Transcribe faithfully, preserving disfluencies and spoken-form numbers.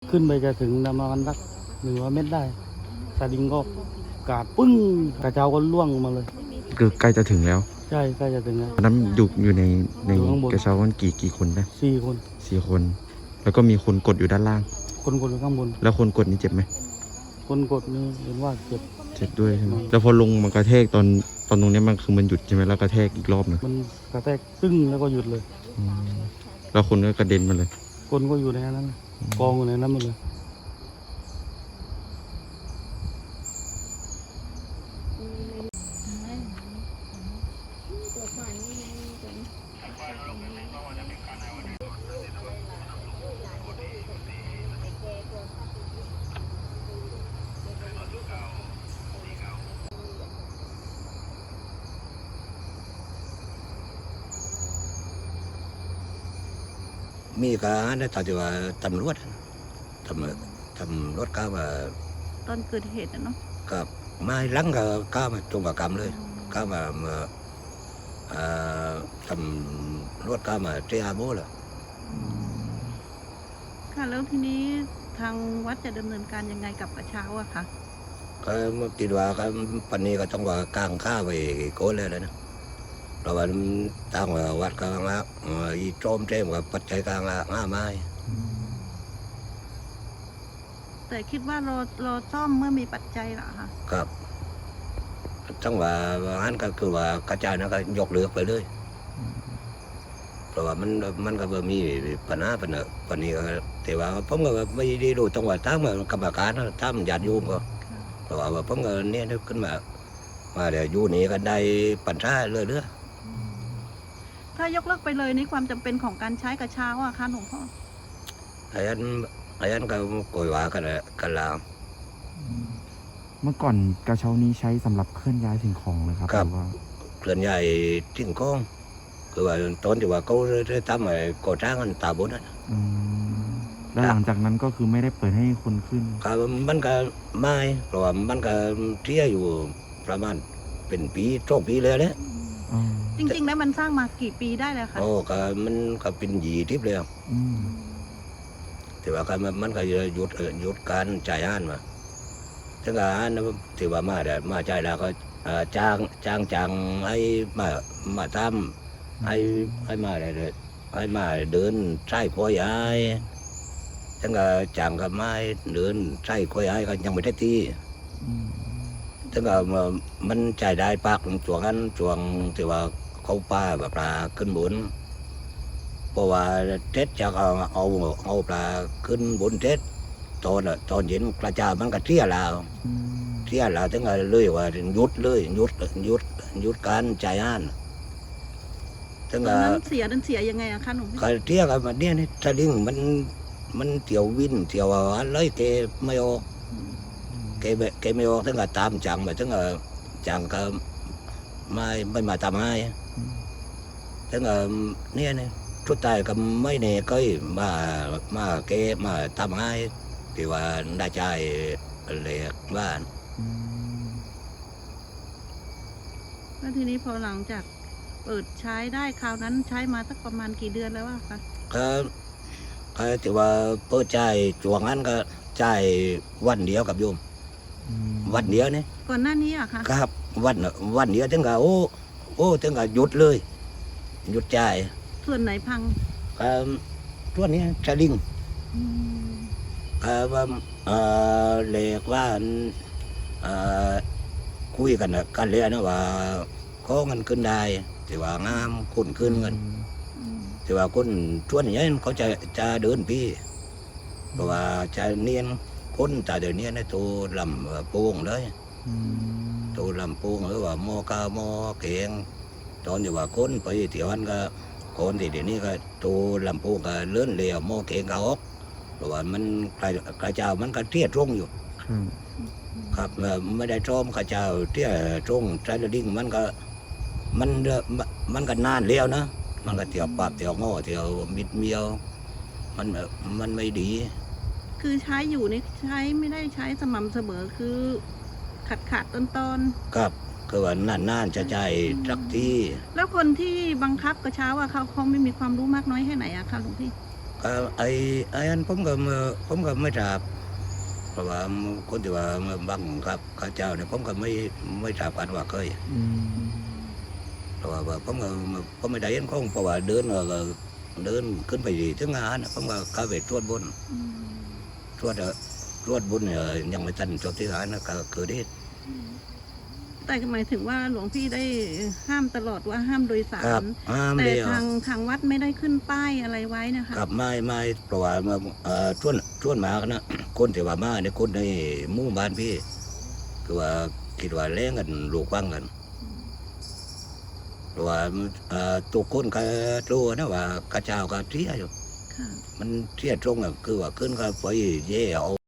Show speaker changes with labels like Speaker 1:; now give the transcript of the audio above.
Speaker 1: ขึ้นไปจะถึงประมาณสักหนึ่งร้อยเมตรได้สลิงก็กาดปึ้งกระเช้าก็ล่วงมาเลย
Speaker 2: คือใกล้จะถึงแล้ว
Speaker 1: ใช่ใกล้จะถึงแล้ว
Speaker 2: น้ำอยู่อยู่ในในกระเช้ามันกี่กี่คนนะ
Speaker 1: สี่คน
Speaker 2: สี่คนแล้วก็มีคนกดอยู่ด้านล่าง
Speaker 1: คนกดอยู่ข้างบน
Speaker 2: แล้วคนกดนี่เจ็บไหม
Speaker 1: คนกดนี่เห็นว่าเจ็บ
Speaker 2: เจ็บด้วยใช่ไหมแล้วพอลงมันกระแทกตอนตอนตรงนี้มันคือมันหยุดใช่ไหมแล้วกระแทกอีกรอบนึง
Speaker 1: มันกระแทกตึ้งแล้วก็หยุดเลย
Speaker 2: แล้วคนก็กระเด็นมาเลย
Speaker 1: คนก็อยู่ในนั้นกองอยู่ในนั้นหมดเลย
Speaker 3: มีการในตอนที่ว่าตำรวจตำรวจตำรวจก้ามา
Speaker 4: ตอนเกิดเหตุนะเนาะ
Speaker 3: กับมาหลังกับก้ามาตรงกับกรรมเลยก้ามามาตำรวจก้ามาเตะอาโบเลย
Speaker 4: ค่ะแล้วทีนี้ทางวัดจะดำเนินการยังไงกับกระเช้าอะคะ
Speaker 3: ก็ติดว่าก็ปันนี้ก็ต้องว่ากลางข้าไปโกนเลยนะเราว่าตั้งว่าวัดกลางละอีโจมเต็มกับปัจจัยกลางละง่าไม้
Speaker 4: แต่คิดว่ารอรอซ่อมเมื่อมีปัจจัยเหรอคะ
Speaker 3: ครับจังว่าอันก็คือว่ากระจายนะก็ยกเรือไปเลยเพราะว่ามันมันก็มีปัญหาปัญหาปัญหาแต่ว่าผมก็ไม่ได้รู้จังว่าตั้งมากรรมการตั้งญาติโยมก็เพราะว่าผมก็เนี่ยนึกขึ้นมามาเดี๋ยวอยู่นี่ก็ได้ปัญหาเรื่อยๆ
Speaker 4: ถ้ายกเลิกไปเลยนี่ความจำเป็นของการใช้กระเช้าอะคะหลวงพ่อ
Speaker 3: ไอ้ยันไอ้ยันก็โกยว่ากันกันแล้ว
Speaker 2: เมื่อก่อนกระเช้านี้ใช้สำหรับเคลื่อนย้ายสิ่งของเลยครับ
Speaker 3: ครับเคลื่อนย้ายสิ่งของคือว่าตอนที่ว่าเขาได้ทำไอ้ก่อสร้างกันตาบนนั่น
Speaker 2: แล้วหลังจากนั้นก็คือไม่ได้เปิดให้คนขึ้น
Speaker 3: ครับมันก็ไม่เพราะว่ามันก็เที่ยอยู่ประมาณเป็นปีสองปีเลยเนี่ย
Speaker 4: จริงๆแล้วมันสร้างมากี่ปีได้แล้วคะ
Speaker 3: โอ้ก็มันก็เป็นหยีทิพย์เลยแต่ว่าก็มันก็หยุดหยุดการจ่ายอ่านมาถึงการที่ว่ามาได้มาจ่ายแล้วก็จ้างจ้างจ้างให้มามาทำให้ให้มาได้เลยให้มาเดินใช้คอยย้ายถึงก็จ้างก็มาเดินใช้คอยย้ายก็ยังไม่ได้ตีถึงก็มันจ่ายได้ปากช่วงนั้นช่วงที่ว่าเขาป้าแบบปลาขึ้นบนเพราะว่าเท็ดจะเอาเอาเอาปลาขึ้นบนเท็ดตอนตอนเย็นกระจายมันก็เที่ยแล้วเที่ยแล้วถึงก็เลยว่าหยุดเลยหยุดหยุดหยุดการจ่ายอ่าน
Speaker 4: ถึงก็นั้นเสียนั้นเสียยังไงอะคะหนุ่ม
Speaker 3: ก็เที่ยกันมาเนี่ยนี่สลิงมันมันเที่ยววินเที่ยวอะไรเกไม่ออกเกเกไม่ออกถึงก็ตามจังมาถึงก็จังก็ไม่ไม่มาทำให้ถึงก็เนี่ยนี่ทุกทายก็ไม่เน่ก็มามาเกมาทำให้ที่ว่าได้ใจเล็กบ้าน
Speaker 4: แล้วทีนี้พอหลังจากเปิดใช้ได้คราวนั้นใช้มาสักประมาณกี่เดือนแล้วอะคะ
Speaker 3: ก็ก็ที่ว่าเปิดใจช่วงนั้นก็ใจวันเดียวกับโยมวันเดียวนี่
Speaker 4: ก่อนหน้านี้อะคะ
Speaker 3: ครับวันวันเดียวถึงกับโอ้โอ้ถึงกับหยุดเลยหยุดใจ
Speaker 4: ส่วนไหนพัง
Speaker 3: ครับส่วนนี้สลิงครับว่าเรียกว่าคุยกันกันเลยนะว่าข้อเงินขึ้นได้แต่ว่างามคุณขึ้นเงินแต่ว่าคนส่วนนี้เขาจะจะเดินพี่เพราะว่าจะเนียนคนแต่เดี๋ยวนี้นะตัวลำโป่งเลยตัวลำโป่งหรือว่าหม้อกาหม้อเก่งตอนที่ว่าคนไปเที่ยวนั้นก็คนที่เดี๋ยวนี้ก็ตัวลำโป่งก็เลื่อนเลี้ยวหม้อเก่งก็ออกเพราะว่ามันกระเจ้ามันก็เตี้ยตรงอยู่ครับไม่ได้ชมกระเจ้าเตี้ยตรงใจระดิ่งมันก็มันมันก็นานเลี้ยวนะมันก็เที่ยวปรับเที่ยวง้อเที่ยวมิดเมียวมันมันไม่ดี
Speaker 4: คือใช้อยู่นี่ใช้ไม่ได้ใช้สม่ำเสมอคือขัดขัดตอนตอน
Speaker 3: ครับคือว่านานๆจะใจสักที
Speaker 4: แล้วคนที่บังคับกระเช้าอะเขาเขาไม่มีความรู้มากน้อยแค่ไหนอะคะหลวงพี่
Speaker 3: ก็ไอ้ไอ้อันผมก็ไม่ผมก็ไม่ทราบเพราะว่าคนที่ว่าบังครับข้าเจ้าเนี่ยผมก็ไม่ไม่ทราบกันว่าเคย
Speaker 2: อืม
Speaker 3: เพราะว่าผมก็ผมไม่ได้เห็นของเพราะว่าเดินก็เดินขึ้นไปถึงงานผมก็เข้าไปตรวจบน
Speaker 4: อืม
Speaker 3: ตรวจตรวจบนเนี่ยยังไม่ทันจบที่งานนะก็เกิดเหตุ
Speaker 4: แต่หมายถึงว่าหลวงพี่ได้ห้ามตลอดว่าห้ามโดยสา
Speaker 3: ครับ
Speaker 4: ร
Speaker 3: ห้าม
Speaker 4: แต่
Speaker 3: เดียว
Speaker 4: ทางทางวัดไม่ได้ขึ้นป้ายอะไรไว้นะคะ
Speaker 3: กับไม่ไม่เพราะว่าเอ่อชวนชวนมานะคนที่ว่ามาเนี่ยคนในหมู่บ้านพี่คือว่าคิดว่าแรงกันลูกฟังกันเพราะว่าเอ่อตัวคนก็รู้นะว่าข้าเจ้าก็เสียอยู่
Speaker 4: ค่ะ
Speaker 3: มันเสียตรงอ่ะคือว่าขึ้นก็ไปเย่เอา